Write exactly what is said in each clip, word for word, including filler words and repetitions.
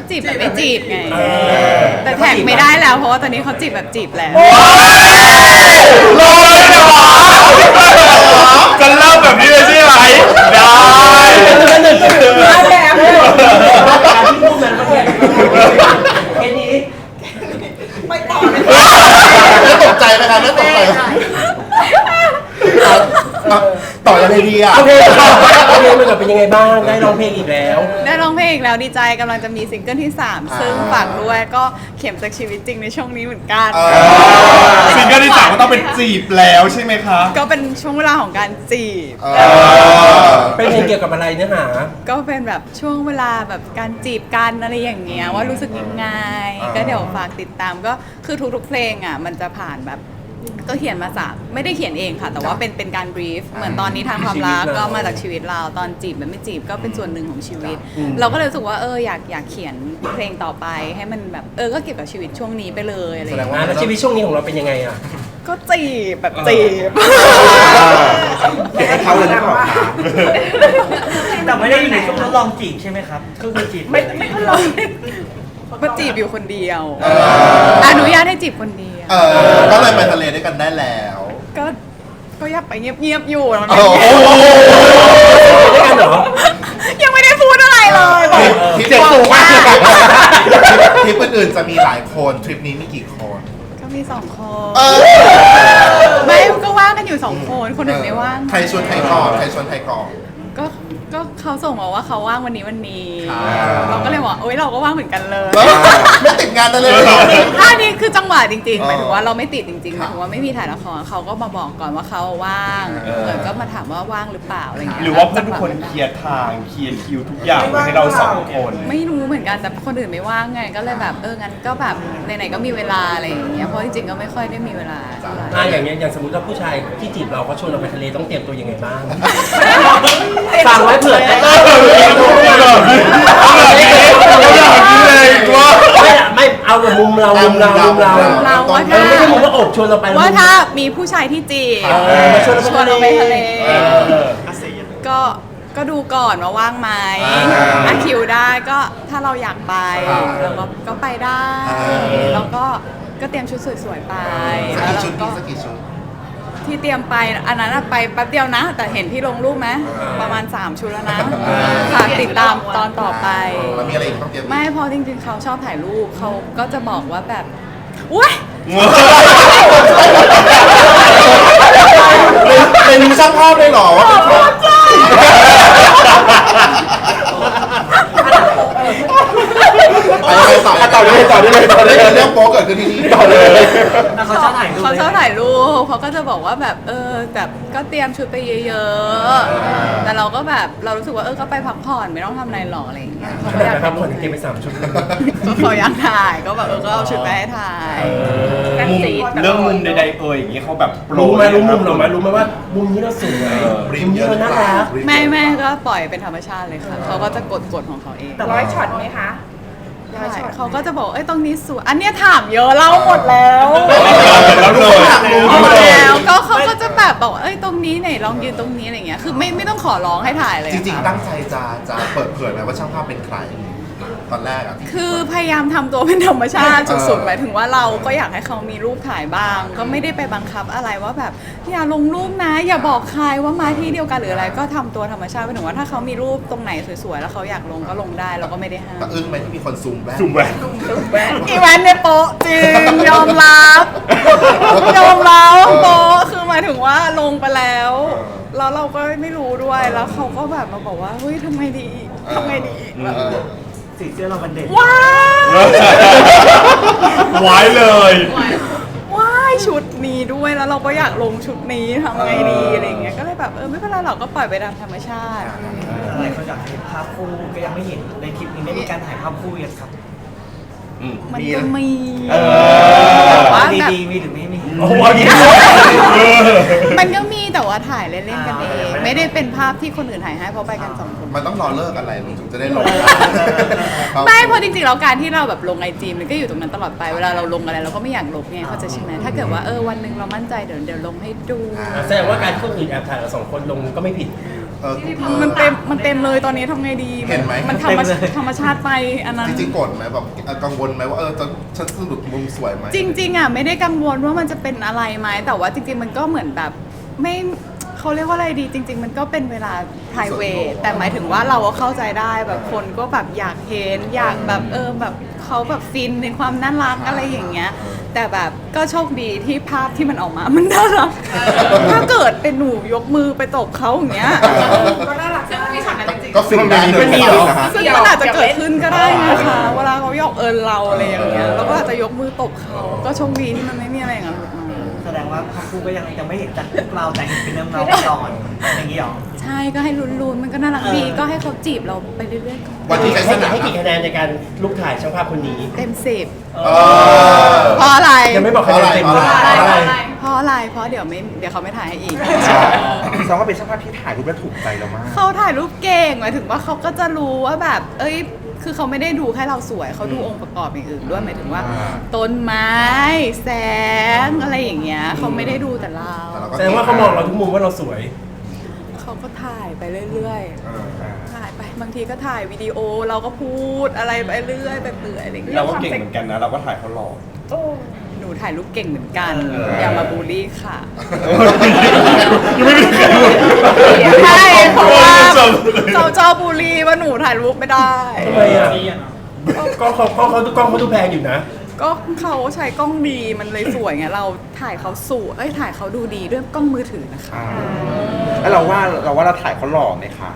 จีบแบบไม่จีบไงแต่แท็กไม่ได้แล้วเพราะว่าตอนนี้เขาจีบแบบจีบแล้วรอเลยเหรอจะเล่าแบบนี้เลยใช่ไหมได้มาแบบเลยการที่พูดมันก็แค่แค่นี้ไม่ต่อเลยไม่ตกใจไหมครับไม่ตกใจต่อยังไงดีอ่ะโอเคโอเคมันเป็นยังไงบ้างได้ร้องเพลงอีกแล้วได้ร้องเพลงอีกแล้วดีใจกำลังจะมีซิงเกิลที่สามซึ่งฝากด้วยก็เข็มจากชีวิตจริงในช่วงนี้เหมือนกันซิงเกิลที่สามก็ต้องเป็นจีบแล้วใช่ไหมคะก็เป็นช่วงเวลาของการจีบเป็นเพลงเกี่ยวกับอะไรเนื้อหาก็เป็นแบบช่วงเวลาแบบการจีบกันอะไรอย่างเงี้ยว่ารู้สึกยังไงก็เดี๋ยวฝากติดตามก็คือทุกๆเพลงอ่ะมันจะผ่านแบบก็เขียนมาจากไม่ได้เขียนเองค่ะแต่ว่าเป็นเป็นการบรีฟเหมือนตอนนี้ทางความรักก็มาจากชีวิตเราตอนจีบแบบไม่จีบก็เป็นส่วนหนึ่งของชีวิตเราก็เลยรู้สึกว่าเอออยากอยากเขียนเพลงต่อไปให้มันแบบเออก็เกี่ยวกับชีวิตช่วงนี้ไปเลยอะไรอย่างเงี้ยแล้วชีวิตช่วงนี้ของเราเป็นยังไงอ่ะก็จีบแบบจีบเก็บให้เขาเลยนะแต่ไม่ได้อยู่ในช่วงทดลองจีบใช่ไหมครับก็คือจีบไม่ไม่ทดลองก็จีบอยู่คนเดียวอนุญาตให้จีบคนเดียวเออก็เลยไปทะเลด้วยกันได้แล้วก็ก็อยากไปเงียบๆอยู่แล้วด้วยกันเหรอยังไม่ได้พูดอะไรเลยทริปสูงมากทริปอื่นๆจะมีหลายคนทริปนี้มีกี่คนก็มีสองคนไม่ก็ว่างกันอยู่สองคนคนอื่นไม่ว่างใครชวนใครก่อนใครชวนใครก่อนก็ก็เขาส่งมาว่าเขาว่างวันนี้วันนี้เราก็เลยบอกโอ๊ยเราก็ว่างเหมือนกันเลยไม่ติดงานเลยอันนี้คือจังหวะจริงๆหมายถึงว่าเราไม่ติดจริงๆหมายถึงว่าไม่มีถ่ายละครเขาก็มาบอกก่อนว่าเขาว่างเออก็มาถามว่าว่างหรือเปล่าอะไรเงี้ยหรือว่าเพื่อนทุกคนเคลียร์ทางเคลียร์คิวทุกอย่างให้เราสองคนไม่รู้เหมือนกันแต่คนอื่นไม่ว่างไงก็เลยแบบเอองั้นก็แบบไหนๆก็มีเวลาอะไรอย่างเงี้ยเพราะจริงๆก็ไม่ค่อยได้มีเวลาอ่าอย่างเงี้ยอย่างสมมติว่าผู้ชายที่จีบเราเขาชวนเราไปทะเลต้องเตรียมตัวยังไงบ้างฟังไว้เผื่อไม่ไม่เอาแบบมุมเรามุมเรามุมเราเราว่าถ้าไม่ใช่มุมว่าอบชวนเราไปว่าถ้ามีผู้ชายที่จีบชวนเราไปทะเลก็ก็ดูก่อนว่าว่างไหมถ้าคิวได้ก็ถ้าเราอยากไปเราก็ก็ไปได้แล้วก็ก็เตรียมชุดสวยๆไปแล้วเราก็ที่เตรียมไปอันนั้นไปแป๊บเดียวนะแต่เห็นที่ลงรูปไหมประมาณสามชุดแล้วนะฝากติดตามตอนต่อไปมีอะไรอีกต้องเตรียมไม่เพราะจริงๆเขาชอบถ่ายรูปเขาก็จะบอกว่าแบบอุ้ยเป็นช่างภาพเลยหรอว่าเป็นช่างไปต่อต่อเลยต่อเลยต่อเลยเรื่องโป๊เกิดขึ้นที่นี่ต่อเลยเขาชอบถ่ายรูปเขาชอบถ่ายรูปเขาก็จะบอกว่าแบบเออแบบก็เตรียมชุดไปเยอะๆแต่เราก็แบบเรารู้สึกว่าเออก็ไปพักผ่อนไม่ต้องทำอะไรหรอกอะไรอย่างเงี้ยเขาอยากพักผ่อนเตรียมไปสามชุดเขาอยากถ่ายก็แบบเออก็เอาชุดไปให้ถ่ายเรื่องมุมใดๆเอ่ยอย่างเงี้ยเขาแบบรู้ไหมรู้มุมหรอไหมรู้ไหมว่ามุมนี้เราสวยมุมนี้เราน่ารักไม่แม่ก็ปล่อยเป็นธรรมชาติเลยค่ะเขาก็จะกดกดของเขาเองแต่ร้อยช็อตไหมคะเขาก็จะบอกเอ้ยตรงนี้สวยอันเนี้ยถามเยอะเล่าหมดแล้วแล้วเลยหมดแล้วก็เขาก็จะแบบบอกเอ้ยตรงนี้ไหนลองยืนตรงนี้อะไรเงี้ยคือไม่ไม่ต้องขอร้องให้ถ่ายเลยจริงๆตั้งใจจะจะเปิดเผยไหมว่าช่างภาพเป็นใครตอนแรกอ่ะคือพยายามทำตัวเป็นธรรมชาติสุดๆหมายถึงว่าเราก็อยากให้เขามีรูปถ่ายบ้างก็ไม่ได้ไปบังคับอะไรว่าแบบอย่าลงรูปนะอย่าบอกใครว่ามาที่เดียวกันหรืออะไรก็ทำตัวธรรมชาติหมายถึงว่าถ้าเขามีรูปตรงไหนสวยๆแล้วเขาอยากลงก็ลงได้เราก็ไม่ได้ห้ามแต่อึ้งไหมที่มีคนซูมแว่นซูมแว่นอีแวนเนี่ยโป๊ะจริงยอมรับยอมรับโป๊ะคือหมายถึงว่าลงไปแล้วแล้วเราก็ไม่รู้ด้วยแล้วเขาก็แบบมาบอกว่าเฮ้ยทำไงดีทำไงดีสีเสื้อเรามันเด่นว้าวไว้เลยว้ายชุดนี้ด้วยแล้วเราก็อยากลงชุดนี้ทำไงดีอะไรเงี้ยก็เลยแบบเออไม่เป็นไรเราก็ปล่อยไปตามธรรมชาติอะไรเขาอยากเห็นภาพคู่ก็ยังไม่เห็นในคลิปนี้ได้มีการถ่ายภาพคู่ยังครับมันก็มีว่าดีๆมีหรือไม่มีโอ้โหมันก็มีแต่ว่าถ่ายเล่นๆกันเองไม่ได้เป็นภาพที่คนอื่นถ่ายให้เพราะไปกันสองคนมันต้องรอเลิกอะไรถึงจะได้ลงไม่เพราะจริงๆแล้วการที่เราแบบลงไอจีมันก็อยู่ตรงนั้นตลอดไปเวลาเราลงอะไรเราก็ไม่อยากลบไงเข้าใจใช่ไหมถ้าเกิดว่าเออวันหนึ่งเรามั่นใจเดี๋ยวเดี๋ยวลงให้ดูแสดงว่าการที่คนอื่นแอบถ่ายเราสองคนลงก็ไม่ผิดเออมันเต็มมันเต็มเลยตอนนี้ทำไงดีเห็นไหมมันธรรมชาติธรรมชาติไปอันนั้นจริงๆโกรธไหมแบบเอ่อกังวลไหมว่าเออจะฉันสรุปมุมสวยไหมจริงๆอ่ะไม่ได้กังวลว่ามันจะเป็นอะไรไหมแต่ว่าจริงๆมันก็เหมือนแบบไม่เขาเรียกว่าอะไรดีจริง ๆ มันก็เป็นเวลา private แต่หมายถึงว่าเราก็เข้าใจได้แบบคนก็แบบอยากเห็นอยากแบบเออแบบเขาแบบฟินในความน่ารักอะไรอย่างเงี้ยแต่แบบก็โชคดีที่ภาพที่มันออกมามันน่ารักถ้าเกิดเป็นหนูยกมือไปตบเขาอย่างเงี้ยก็น่ารักซึ่งมีฉากนั้นจริงก็ฟินได้เลยมันมีเหรอนะฮะซึ่งมันอาจจะเกิดขึ้นก็ได้นะคะเวลาเขาหยอกเอิญเราอะไรอย่างเงี้ยเราก็อาจจะยกมือตบเขาก็โชคดีที่มันไม่มีอะไรอย่างนั้นหลุดมาแสดงว่าภาพคู่ก็ยังยังไม่เห็นจากพวกเราแต่เห็นเป็นเรื่องเราก่อนอย่างนี้หรอใช่ก็ให้ลุ้นๆมันก็น่ารักดีก็ให้เขาจีบเราไปเรื่อยๆก่อนวันที่ใช้สให้นามให้กี่คะแนนในการลูกถ่ายช่างภาพคนนี้เต็มสิบเออเพราะอะไรยังไม่บอกคะแนนเต็มเลยเพราะอะไรเพราะอะไรเพราะเดี๋ยวไม่เดี๋ยวเขาไม่ถ่ายให้อีกซองก็เป็นช่างภาพที่ถ่ายรูปแล้วถูกใจเรามากเขาถ่ายรูปเก่งหมายถึงว่าเขาก็จะรู้ว่าแบบ เอ้ย คือเขาไม่ได้ดูแค่เราสวย เขาดูองค์ประกอบอย่างอื่นด้วยหมายถึงว่าอ่าต้นไม้ แสงอะไรอย่างเงี้ยเขาไม่ได้ดูแต่เราแต่เราก็แสดงว่าเขามองเราทุกมุมว่าเราสวยเขาก็ถ่ายไปเรื่อยเออๆ ถ่ายไปบางทีก็ถ่ายวิดีโอเราก็พูดอะไรไปเรื่อยไปเปื่อยอะไรอย่างเงี้ยเราก็เก่งเหมือนกันนะ เราก็ถ่ายเขาหล่อหนูถ่ายรูปเก่งเหมือนกันเอออย่ามาบูลลี่ค่ะยังไม่ได้เขียนใช่เพราะว่าเขาชอบบูลลี่ว่าหนูถ่ายรูปไม่ได้ทำไมอ่ะกล้องเขากล้องเขากล้องเขาดูแพงอยู่นะก็เขาใช้กล้องดีมันเลยสวยไงเราถ่ายเขาสวยเอ้ยถ่ายเขาดูดีด้วยกล้องมือถือนะคะแล้วเราว่าเราว่าเราถ่ายเขาหล่อไหมคะ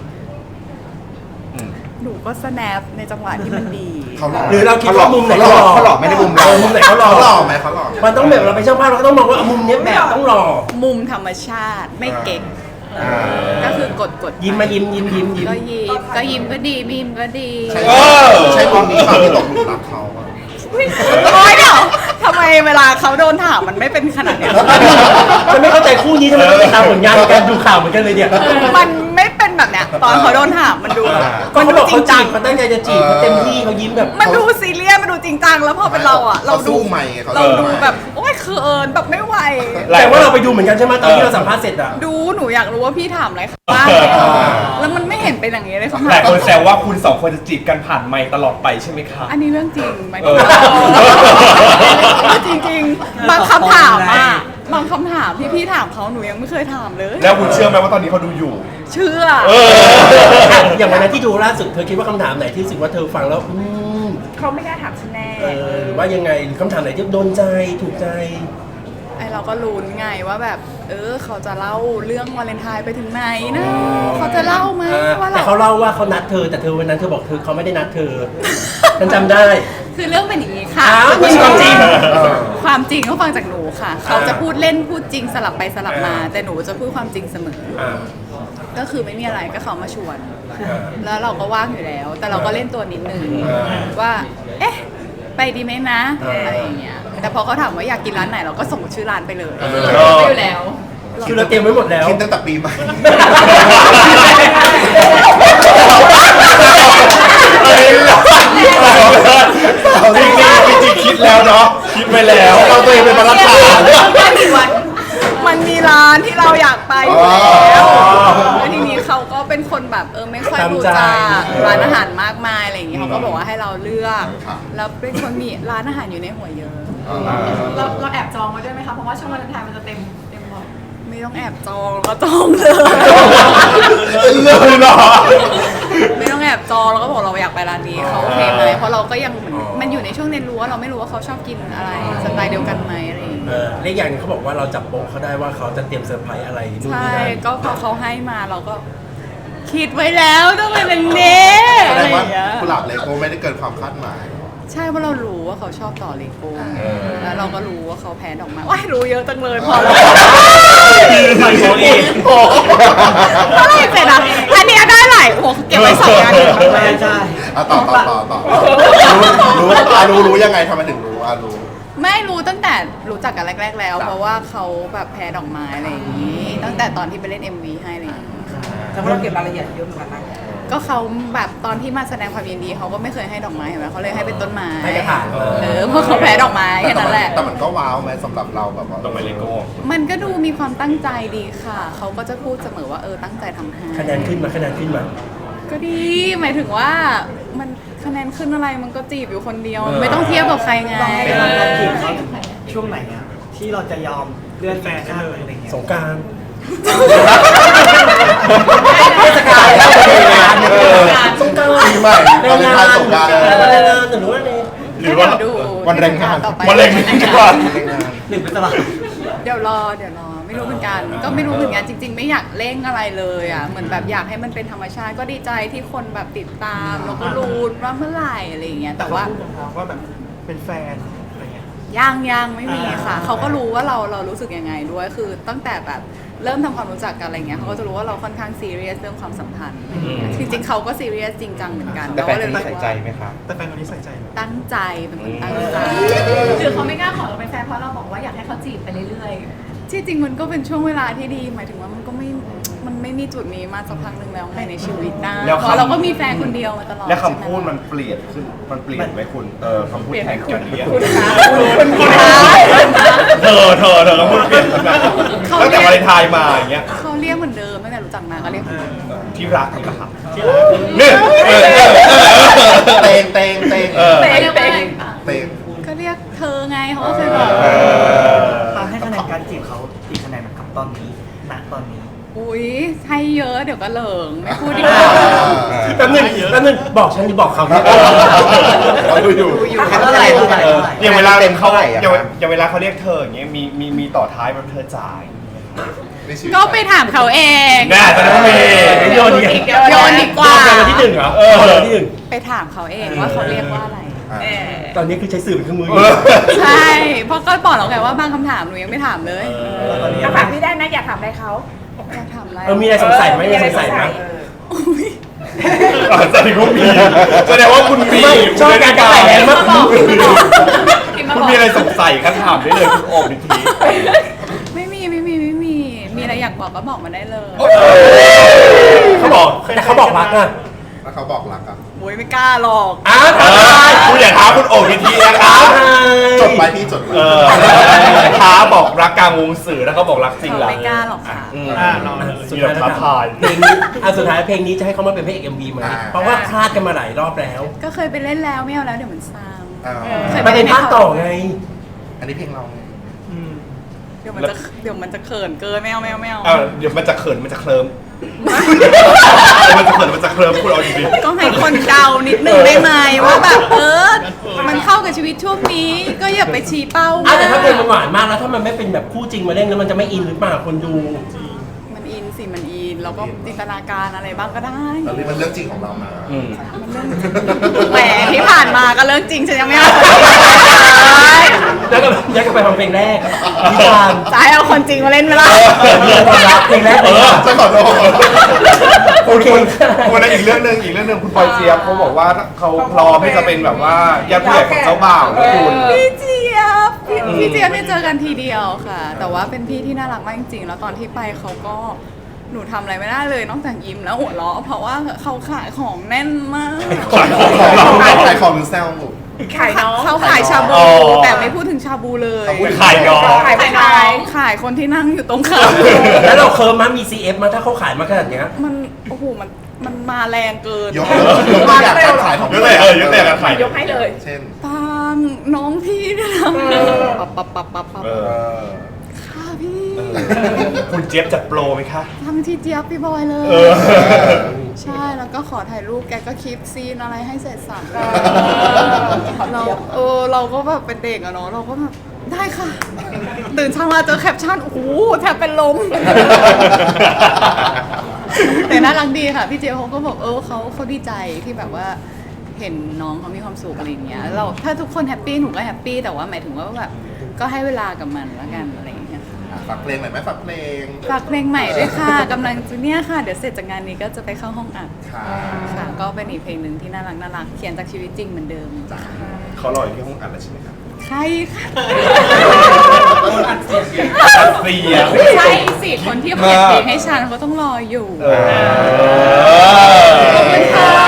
หนูก็สแนปในจังหวะที่มันดีเขาหล่อหรือเราคิดว่ามุมไหนเขาหล่อเขาหล่อไม่ได้มุมเราเออมุมไหนเขาหล่อเขาหล่อไหมเขาหล่อไหมมันต้องแบบเราเป็นช่างภาพเราก็ต้องมองว่ามุมเนี้ยแบบต้องหล่อมุมธรรมชาติไม่เก่งอ่าก็คือกดกดยิ้มมายิ้มยิ้มยิ้มยิ้มก็ยิ้มก็ยิ้มก็ดีไม่ยิ้มก็ดีใช่เออใช่มุมนี้เขาที่ตกหลุมรักเขาอะโอ๊ยเดี๋ยวทำไมเวลาเขาโดนถามมันไม่เป็นขนาดเนี้ยฉันไม่เข้าใจคู่นี้ทำไมต้องไปตามผลงานในการดูข่าวเหมือนกันเลยเนี่ยมันไม่เป็นแบบเนี้ยตอนเขาโดนถามมันดูก็มันเขาดูบอกจริเขางจีจังบเขาตั้งใจจะจีบเขาเต็มที่เขายิ้มแบบมันดูซีเรียสมันดูจริงจังแล้วพอเป็นเราอ่ะ เราดูสู้ใหม่ไงเขาเราสู้ดูใหม่แบบโอ๊ยเขินแบบไม่ไหวแต่ว่าเราไปดูเหมือนกันใช่ไหมตอนที่เราสัมภาษณ์เสร็จอ่ะดูหนูอยากรู้ว่าพี่ถามอะไรบ้างแล้วมันไม่เห็นเป็นอย่างนี้เลยคำหถาลายมคนแซวว่าคุณสองคนจะจีบกันผ่านไมค์ตลอดไปใช่ไหมคะอันนี้เรื่องจริงไหมเออจริงจริงๆบางคำถามอ่ะบางคำถามที่พี่ถามเขาหนูยังไม่เคยถามเลยแล้วคุณเชื่อไหมว่าตอนนี้เขาดูอยู่เชื่อเอออย่างวันนั้นที่ดูล่าสุดเธอคิดว่าคำถามไหนที่รู้สึกว่าเธอฟังแล้วอืมเขาไม่กล้าถามฉันแน่เออหรือว่ายังไงหรือคำถามไหนที่โดนใจถูกใจไอเราก็ลุ้นไงว่าแบบ เออเขาจะเล่าเรื่องวาเลนไทน์ไปถึงไหนนะเขาจะเล่าไหมว่าแต่เราเขาเล่าว่าเขานัดเธอแต่เธอวันนั้นเธอบอกเธอเขาไม่ได้นัดเธอ ฉันจำได้คือเรื่องเป็นอย่างนี้ค่ะอ้าวนี่ความจริงเออความจริงเขาฟังจากหนูค่ะ เขาจะพูดเล่นพูดจริงสลับไปสลับมา แต่หนูจะพูดความจริงเสมออ่าก็คือไม่มีอะไรก็เขามาชวน แล้วเราก็ว่างอยู่แล้ว แต่เราก็เล่นตัวนิดนึงอ่าว่า เอ๊ะ ไปดีไหมนะอ่าอะไรอย่างเงี้ย แต่พอเขาถามว่าอยากกินร้านไหนเราก็ส่งชื่อร้านไปเลยอไปอยู่แล้วคือเราเตรียมไว้หมดแล้วคิดตั้งแต่ปีใหม่จริงจริงๆคิดแล้วเนาะคิดไปแล้วเราตัวเองเป็นประธานมันมีร้านที่เราอยากไปอยู่แล้วแล้วทีนี้เขาก็เป็นคนแบบเออไม่ค่อยรู้จักร้านอาหารมากมายอะไรอย่างงี้เขาก็บอกว่าให้เราเลือก แล้วเป็นคนมีร้านอาหารอยู่ในหัวเยอะเราเราแอบจองไว้ด้วยไหมคะ เพราะว่าช่วงวันไทายมันจะเต็มเต็มบ่อยไม่ต้องแอบจองแล้วก็จองเลยเลือกเลยเหรอไม่ต้องแอบจองแล้วก็บอกเราอยากไปร้านนี้เขาโอเคไหมเพราะเราก็ยังเหมือนมันอยู่ในช่วงเรียนรู้ว่าเราไม่รู้ว่าเขาชอบกินอะไรสไตล์เดียวกันไหมอะไรอย่างเงี้ยเออและอีกอย่างหนึงเขาบอกว่าเราจับโป๊ะเขาได้ว่าเขาจะเตรียมเซอร์ไพรส์อะไรนู่นใช่นี่นั่นก็พอเขาให้มาเราก็คิดไว้แล้วต้องเป็นแบบนี้แสอะดไรง อว่าย่างเงี้ยกุหลาบเลโก้ไม่ได้เกินความคาดหมายใช่เพราะเรารู้ว่าเขาชอบต่อเลโก้เออแล้วเราก็รู้ว่าเขาแพ้ดอกไม้ว้ายรู้เยอะจังเลยพอแล้วไม่โป๊ะเองเมื่อไหรเสร็จอ่ะอันเนี้ยได้หลายโอ้โหเก็บไว้สองงานเลยใช่ใช่อ่ะต่อต่อต่อต่อรู้รู้อ่ะรู้รู้ยังไงทำไมถึงรู้อ่ะรู้ไม่รู้ตั้งแต่รู้จักกันแรก ๆ แล้วจ้ะเพราะว่าเขาแบบแพ้ดอกไม้อะไรอย่างนี้ ตั้งแต่ตอนที่ไปเล่น เอ็ม วี ให้อะไรอย่างนี้แต่ว่าเราเก็บรายละเอียดเยอะเหมือนกันนะก็เขาแบบตอนที่มาแสดงความยินดีเขาก็ไม่เคยให้ดอกไม้เห็นไหมเขาเลยให้เป็นต้นไม้ให้กระถางเออเออเพราะเขาแพ้ดอกไม้แค่นั้นแหละแต่มันก็ว้าวไหมสำหรับเราแบบว่าต้องไปเลโก้มันก็ดูมีความตั้งใจดีค่ะ เขาก็จะพูดเสมอว่าเออตั้งใจทำให้คะแนนขึ้นมาคะแนนขึ้นมาก็ดี หมายถึงว่ามันคะแนนขึ้นอะไรมันก็จีบอยู่คนเดียวเออไม่ต้องเทียบกับใครไงเวลาการจีบเขาช่วงไหนอะที่เราจะยอมเลื่อนแฟนได้เลยอะไรเงี้ยสงกรารเทศกาลสงกรารปีใหม่แรงงานสงกรานต์แรงงานหรือว่าไงหรือว่าดูวันแรงงานต่อไปมะเร็งดีกว่าหนึ่งเป็นตลาดเดี๋ยวรอเดี๋ยวรอไม่รู้เหมือนกัน ก็ไม่รู้เหมือนกันจริง ๆ ไม่อยากเร่งอะไรเลยอ่ะเหมือนแบบอยากให้มันเป็นธรรมชาติก็ดีใจที่คนแบบติดตามแล้วก็รู้ว่าเมื่อไหร่อะไรอย่างเงี้ยแต่ว่าพูดตรงๆว่าแบบเป็นแฟนอะไรเงี้ยยังยังไม่มีค่ะอ่าเขาก็รู้ว่าเราเรารู้สึกยังไงด้วยคือตั้งแต่แบบเริ่มทำความรู้จักกันอะไรเงี้ยเขาก็จะรู้ว่าเราค่อนข้างซีเรียสเรื่องความสัมพันธ์จริงๆเขาก็ซีเรียสจริงจังเหมือนกันแต่แฟนคนนี้เราก็ใส่เลยใจรู้ไหมว่าครับแต่แฟนคนนี้ใส่ใจไหมตั้งใจเป็นคนตั้งใจคือเขาไม่กล้าขอเราเป็นแฟนเพราะเราบอกว่าอยากให้เขาจีบไปเรื่อยที่จริงมันก็เป็นช่วงเวลาที่ดี หมายถึงว่ามันก็ไม่มันไม่มีจุดนี้มาสักพักหนึ่งแล้วไงในชีวิตนะแล้วเพคำราะเราก็มีแฟนคนเดียวมาตลอดและคำใช่ไหพูดมันเปลี่ยนขึ้น มันเปลี่ยนไหมคุณ เออคำพูดแทนกันเรียกคุณคะคุณคะเธอเธอเธอคำพูดเปลี่ยนขึ้นมาตั้งแต่วาเลนไทน์มาอย่างเงี้ยเขาเรียกเหมือนเดิมตั้งแต่รู้จักมาก็เรียกเหมือนเดิมที่รักนี่แหละครับนี่เออเออเออเตงเตงเตงเออๆเรียกว่าอะไรปะเตงก็เรียกเธอไงเขาก็เคยบอกเออตาให้คะแนนการจีบเขากี่คะแนนนะครับตอนนี้ณตอนนี้อุ้ยให้เยอะเดี๋ยวก็เหลิงไม่พูดดีกว่าแป๊บนึงแป๊บนึงบอกฉันหรือบอกเขาเนี่ยเขาดูอยู่อยู่เท่าไหร่เท่าไหร่เอออย่างเวลาเต็มเขาเท่าไหร่อะอย่างเวอย่างเวลาเขาเรียกเธออย่างเงี้ยมีมีมีต่อท้ายแบบเธอจ่ายในชีวิตก็ไปถามเขาเองแน่ตอนนั้นมีโยนอีกโยนดีกว่าโยนวันที่หนึ่งเหรอเออโยนวันที่หนึ่งไปถามเขาเองว่าเขาเรียกว่าอะไรอ่ะเออตอนนี้คือใช้สื่อเป็นเครื่องมืออเอยู่ อใช่ เพราะก็บอกแล้วไงว่าบางคำถามหนูยังไม่ถามเลยแล้วตอนนี้คำถามที่ได้นะอยากถามอะไรเขาอยากถามอะไรเออมีอะไรสงสัยไหมมีอะไรสงสัยไหมอุ๊ยอ๋อแสดงว่ามีแสดงว่าคุณมีไม่ชอบการกระต่ายแรงมากคุณมีอะไรสงสัยก็ถามได้เลยคุณโอบนิทีไม่มีไม่มีไม่มี มีอะไรอยากบอกก็บอกมาได้เลยเขาบอกแต่เขาบอกรักนะแล้วเขาบอกรักอ่ะโอ้ยไม่กล้าหรอกอ้าวเออคุณอย่าท้าคุณโอบนิทีนะครับจดไปพี่จดไปเออท้าบอกรักกลางวงสื่อแล้วเขาบอกรักจริงเขาเหรอไม่กล้าหรอกค่ะอืมอ่าลองสุดมีท้ายแบบท้าทายเพลงนี้อ่ะสุดท้ายเพลงนี้จะให้เขามาเป็นพระเอกเอ็มวีไหมเพราะว่าคลาดกันมาหลายรอบแล้วก็เคยไปเล่นแล้วไม่เอาแล้วเดี๋ยวมันซ้อ่าำเคยมันเป็นภาคต่อไงอันนี้เพลงเราไงอืมเดี๋ยวมันจะเดี๋ยวมันจะเขินเกินไม่เอาไม่เอาไม่เอาเออเดี๋ยวมันจะเขินมันจะเคลิ้มมันจะเขินมันจะเคลิ้มคุณเอาดีก็ให้คนเดานิดนึงได้ไหมว่าแบบเออ มันเข้ากับชีวิตช่วงนี้ ก็อย่าไปชี้เป้าอ่ะแต่ถ้าเพลงมันหวานมากแล้วถ้ามันไม่เป็นแบบคู่จริงมาเล่นแล้วมันจะไม่อินหรือเปล่าคนดูมันอินสิมันอินแล้วก็จินตนาการอะไรบ้างก็ได้ตอนนี้มันเรื่องจริงของเรามาๆอืมแหมที่ผ่านมาก็เรื่องจริงฉันยังไม่เอาคนจริงเลยแล้วก็ย้ายกลับไปฟังเพลงแรกนิทานจะให้เอาคนจริงมาเล่นไหมล่ะเพลงความรักเพลงแรกเอเลยอค่ะจะขอโทษโอเควันนั้นอีกเรื่องหนึ่งอีกเรื่องหนึ่งคุณปอยเจี๊ยบเขาบอกว่าเขาพร้อมที่จะเป็นแบบว่าญาติผู้ใหญ่ของเจ้าบ่าวนะคุณพี่เจี๊ยบพี่พี่เจี๊ยบเนี่ยเจอกันทีเดียวค่ะ แต่ว่าเป็นพี่ที่น่ารักมากจริงๆ แล้วตอนที่ไปเขาก็หนูทำอะไรไม่ได้เลยนอกจากยิ้มแล้วหัวเราะเพราะว่าเขาขายของแน่นมากขายของขายของหรือแซวขายน้องเขาขายชาบูอ๋อแต่ไม่พูดถึงชาบูเลยคุณขายน้องขายไปน้องขายคนที่นั่งอยู่ตรงข้ามแล้วเราเคิร์มมั้ยมี ซี เอฟ มั้ยถ้าเขาขายมาขนาดเนี้ยมันโอ้โหมันมันมาแรงเกินยกยกตัวอย่างการขายของยกตัวอย่างเออยกตัวอย่างการขายยกให้เลยเช่นปังน้องพี่เนี่ยนะปับปับปับปับปับเอเอออค่ะพี่คุณเจี๊ยบจัดโปรไหมคะทำที่เจี๊ยบพี่บอยเลยเออใช่แล้วก็ขอถ่ายรูปแกก็คลิปซีนอะไรให้เสร็จสับเราเออเราก็แบบเป็นเด็กอะเนาะเราก็แบบได้ค่ะ ตื่นเช้ามาเจอแคปชั่นโอ้โหแทบเป็นลม แต่น่ารักดีค่ะพี่เจี๊ยบเขาก็บอกเออเขาเขาดีใจที่แบบว่าเห็นน้องเขามีความสุขอะไรอย่างเงี้ยเราถ้าทุกคนแฮปปี้หนูก็แฮปปี้แต่ว่าหมายถึงว่าแบบก็ให้เวลากับมันแล้วกันอะไรอย่างเงี้ยค่ะฝากเพลงหน่อยไหมฝากเพลงฝากเพลงใหม่ด้วยค่ะกำลังจะเนี่ยค่ะ เดี๋ยวเสร็จจากงานนี้ก็จะไปเข้าห้องอัดค่ะค่ะ ก็เป็นอีกเพลงหนึ่งที่น่ารักน่ารักเขียนจากชีวิตจริงเหมือนเดิมเขารออยู่ที่ห้องอัดแล้วใช่ไหมครับใช่ค่ะอัดเสียงใช่สิคนที่เขียนเพลงให้ฉันเขาต้องรออยู่เออขอบคุณค่ะ